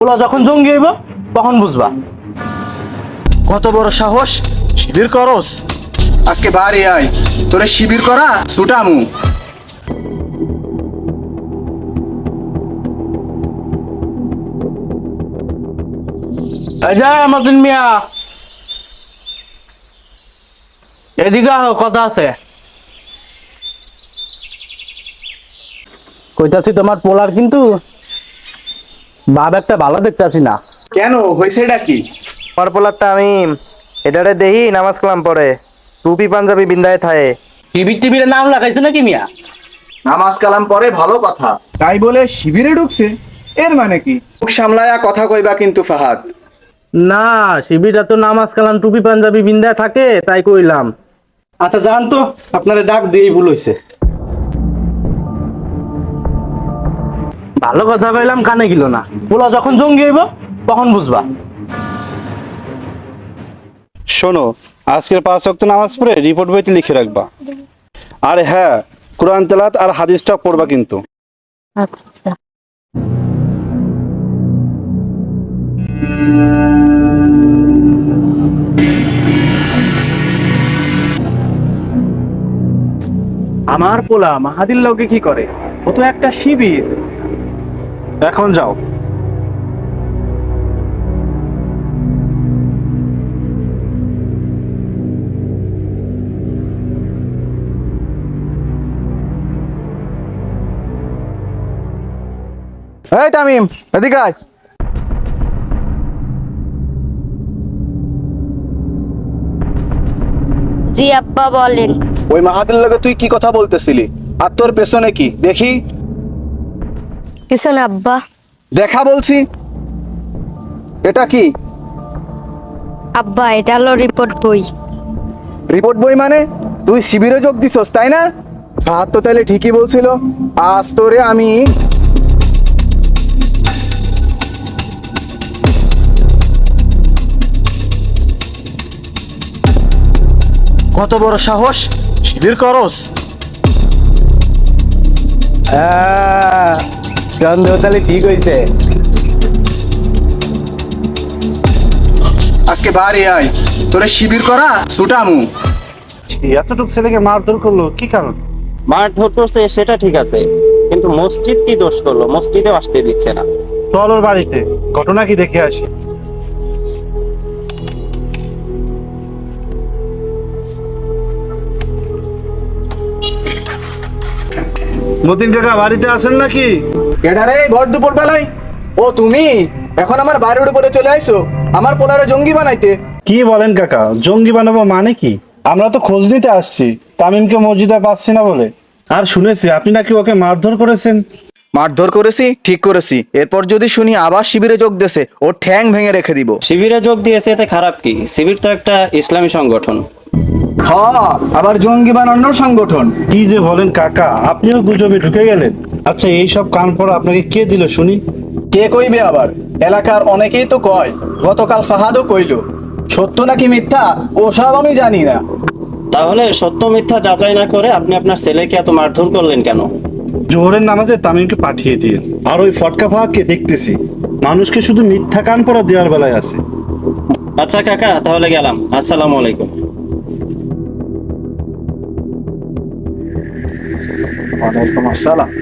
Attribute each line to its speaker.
Speaker 1: OLA যখন জঙ্গি হইব তখন বুঝবা।
Speaker 2: কত বড় সাহস, শিবির করস?
Speaker 3: আজকে বাড়ি আয়, তোরে শিবির করা ছুটামু।
Speaker 1: এই যে মতিন মিয়া, এদিকে আহ, কথা আছে। কইতাছি তোমার পোলার কিন্তু ভাব একটা ভালো দেখতাছি না।
Speaker 3: কেন হয়েছে এটা কি?
Speaker 2: পরপলার তামিম এটারে দেহি নামাজ কালাম পড়ে, টুপি পাঞ্জাবি বিন্দায় থায়ে।
Speaker 1: টিভির নাম লাগাইছে নাকি মিয়া?
Speaker 3: নামাজ কালাম পরে ভালো কথা, তাই বলে শিবিরে ঢুকছে, এর মানে কি? মুখ সামলায়া কথা কইবা কিন্তু ফাহাদ।
Speaker 1: না, শিবিরা তো নামাজ কালাম টুপি পাঞ্জাবি বিন্দায় থাকে তাই কইলাম। আচ্ছা জান তো, আপনারা ডাক দিয়েই ভুল হইছে। ভালো কথা কইলাম, কানে গেল না। পোলা যখন জঙ্গি হইব তখন বুঝবা।
Speaker 4: শোনো, আজকের 5 ওয়াক্ত নামাজ পড়ে রিপোর্ট বইতে লিখে রাখবা। আর হ্যাঁ, কোরআন তেলাওয়াত আর হাদিসটা পড়বা কিন্তু।
Speaker 5: আচ্ছা।
Speaker 3: আমার পোলা মাহাদির লগে কি করে? ও তো একটা শিবির।
Speaker 4: এখন যাও।
Speaker 2: এই তামিম, এদিকে আয়।
Speaker 5: জি আব্বা বলেন।
Speaker 3: ওই মাহাদির লগে তুই কি কথা বলতেছিলি? আর তোর পেছনে কি দেখি?
Speaker 5: কিছু না আব্বা।
Speaker 3: দেখা বলছি। এটা কি?
Speaker 5: আব্বা এটা হলো রিপোর্ট বই।
Speaker 3: রিপোর্ট বই মানে? তুই শিবিরে যোগ দিছস তাই না? ফাহাদ তো তাহলে ঠিকই বলছিল। আজ তোরে আমি
Speaker 2: কত বড় সাহস, শিবির করস?
Speaker 1: সন্দেহ তাহলে ঠিক হইছে।
Speaker 3: আজকে বাড়ি আয়, তোরে শিবির করা ছুটামু।
Speaker 4: এতটুকু ছেলেকে মারধর করলো কি কারণ?
Speaker 6: মারধর করছে সেটা ঠিক আছে, কিন্তু মসজিদ কি দোষ করলো? মসজিদেও আসতে দিচ্ছে না।
Speaker 4: চল ওর বাড়িতে, ঘটনা কি দেখে আসি। মতিন কাকা বাড়িতে আছেন নাকি?
Speaker 3: এটারে ভর দুপুর বেলায়? ও তুমি এখন আমার বাড়ির উপরে চলে আইছো আমার পোলারে জঙ্গি বানাইতে?
Speaker 4: কি বলেন কাকা, জঙ্গি বানাবো মানে কি? আমরা তো খোঁজ নিতে আসছি তামিমকে মসজিদে পাচ্ছি না বলে। আর শুনেছি আপনি নাকি ওকে মারধর করেছেন।
Speaker 3: মারধর করেছি, ঠিক করেছি। এরপর যদি শুনি আবার শিবিরে যোগ দেছে, ও ঠ্যাং ভেঙে রেখে দিব।
Speaker 6: শিবিরে যোগ দিয়েছে এতে খারাপ কি? শিবির তো একটা ইসলামী সংগঠন।
Speaker 3: আবার জঙ্গি বানানোর সংগঠন?
Speaker 4: কি যে বলেন কাকা, আপনিও গুজবে ঢুকে গেলেন। আচ্ছা, এই সব কান পড়া আপনাকে কে দিল শুনি?
Speaker 3: কে কইবে আবার? এলাকার অনেকেই তো কয়, গতকাল ফাহাদও কইল। সত্য নাকি মিথ্যা ওসব আমি জানি না।
Speaker 6: তাহলে সত্য মিথ্যা যাচাই না করে আপনি আপনার ছেলেকে এত মারধর করলেন কেন?
Speaker 4: জোহরের নামাজে তামিমকে পাঠিয়ে দিয়ে আর ওই ফটকা ফাহাদকে দেখতেছি মানুষকে শুধু মিথ্যা কান পড়া দেওয়ার বেলায় আছে।
Speaker 6: আচ্ছা কাকা, তাহলে গেলাম। আসসালামু আলাইকুম।
Speaker 3: ওয়ালাইকুম আসসালাম।